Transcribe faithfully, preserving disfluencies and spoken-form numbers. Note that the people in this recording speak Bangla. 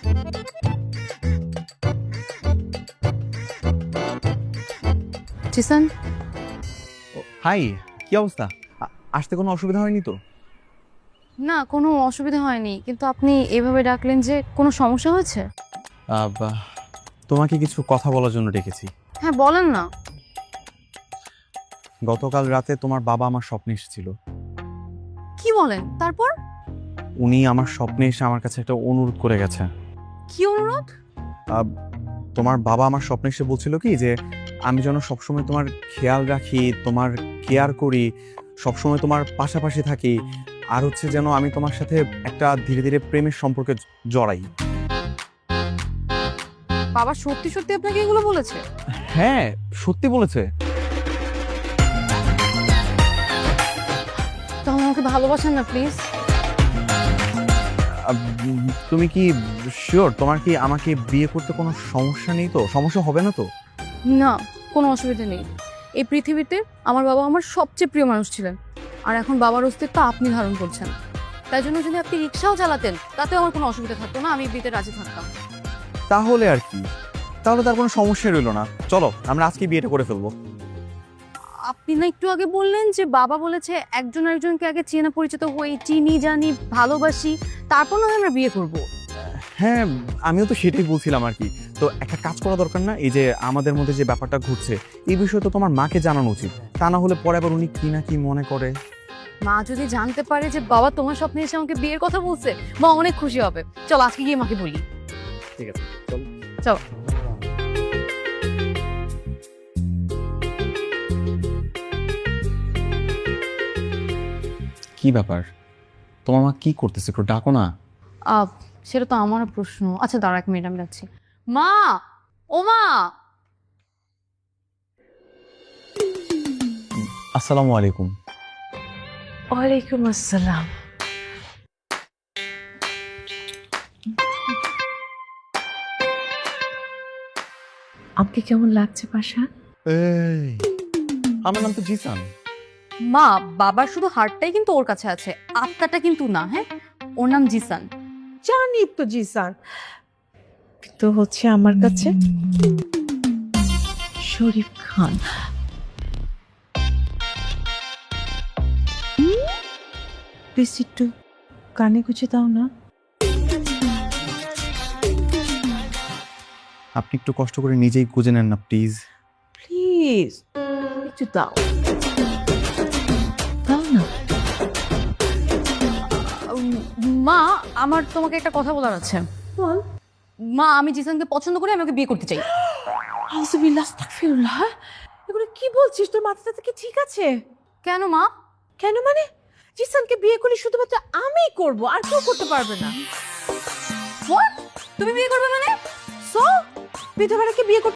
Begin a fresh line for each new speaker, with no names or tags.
জিসান,
হাই, কি অবস্থা? আ- আসতে কোনো অসুবিধা হয়নি তো?
না কোনো অসুবিধা হয়নি, কিন্তু আপনি এভাবে ডাকলেন যে কোনো সমস্যা হয়েছে?
আহ, বাহ, তোমাকে কিছু কথা বলার জন্য ডেকেছি।
হ্যাঁ বলেন না।
গতকাল রাতে তোমার বাবা আমার স্বপ্নে এসেছিল।
কি বলেন? তারপর?
উনি আমার স্বপ্নে এসে আমার কাছে একটা অনুরোধ করে গেছে।
কি অনুরোধ?
আহ, তোমার বাবা আমার স্বপ্নে এসে বলছিল কি যে আমি যেন সবসময় তোমার খেয়াল রাখি, তোমার কেয়ার করি, সবসময় তোমার পাশাপাশি থাকি, আর হচ্ছে যেন আমি তোমার সাথে একটা ধীরে ধীরে প্রেমের সম্পর্কে জ- জড়াই।
বাবা সত্যি সত্যি আপনাকে এগুলো বলেছে?
হ্যাঁ, সত্যি বলেছে।
তাহলে আমাকে ভালোবাসেন না প্লিজ?
আহ, উম, তুমি কি শিওর? তোমার কি আমাকে বিয়ে করতে কোনো সমস্যা নেই তো? সমস্যা হবে না তো?
না, কোনো অসুবিধা নেই। এই পৃথিবীতে আমার বাবা আমার সবচেয়ে প্রিয় মানুষ ছিলেন, আর এখন বাবার অস্তিত্ব আপনি ধারণ করছেন। তাই জন্য যদি আপনি রিক্সাও চালাতেন তাতেও আমার কোনো অসুবিধা থাকতো না, আমি বিয়েতে রাজি থাকতাম।
তাহলে আর কি, তাহলে তার কোনো সমস্যা রইলো না। চলো আমরা আজকে বিয়েটা করে ফেলবো।
আপনি না একটু আগে বললেন যে বাবা বলেছে একজন আরেকজনকে আগে চেনা পরিচিত হই, চিনি জানি ভালোবাসি, তারপর না হয় আমরা বিয়ে করব।
হ্যাঁ, আমিও তো সেটাই বলছিলাম আর কি। তো একটা কাজ করা দরকার না? এই যে আমাদের মধ্যে যে ব্যাপারটা ঘটছে, এই বিষয়ে তো তোমার মাকে জানানো উচিত, তা না হলে পরে আবার উনি কি না কি মনে করে।
মা যদি জানতে পারে যে বাবা তোমার স্বপ্নে এসে আমাকে বিয়ের কথা বলছে, মা অনেক খুশি হবে। চল আজকে গিয়ে মাকে বলি।
ঠিক আছে, চলো।
চল।
কি ব্যাপার, তোমার মা কি করতেছে? একটু ডাকো না।
আহ সেটা তো আমার প্রশ্ন। আচ্ছা দাঁড়া এক মিনিট, আমি যাচ্ছি। মা, ও মা।
আসসালামু আলাইকুম।
ওয়ালাইকুম আসসালাম। আমাকে কেমন লাগছে পাশা?
এই, আমার নাম তো জিসান।
মা, বাবার শুধু হার্টটাই কিন্তু ওর কাছে আছে, আত্মাটা কিন্তু না। হ্যাঁ, ওর নাম জিসান।
জানি তো জিসান, কিন্তু হচ্ছে আমার কাছে শরীফ খান। প্লিজ একটু কানে গুছে দাও না।
আপনি একটু কষ্ট করে নিজেই খুঁজে নেন না প্লিজ।
প্লিজ একটু দাও, দাও না।
উম, মা, আমার তোমাকে একটা কথা বলার আছে।
বল।
মা, আমি জিসানকে পছন্দ করে আমি ওকে বিয়ে করতে চাই।
আউযুবিল্লাহ, আস্তাগফিরুল্লাহ। এগুলো কি বলছিস? তোর মাথাটা কি ঠিক আছে?
কেন মা?
কেন মানে? জিসানকে বিয়ে করলে শুধুমাত্র আমিই করব, আর কেউ করতে পারবে না।
What? তুমি বিয়ে করবে মানে?
সো বিধবাটাকে বিয়ে করতে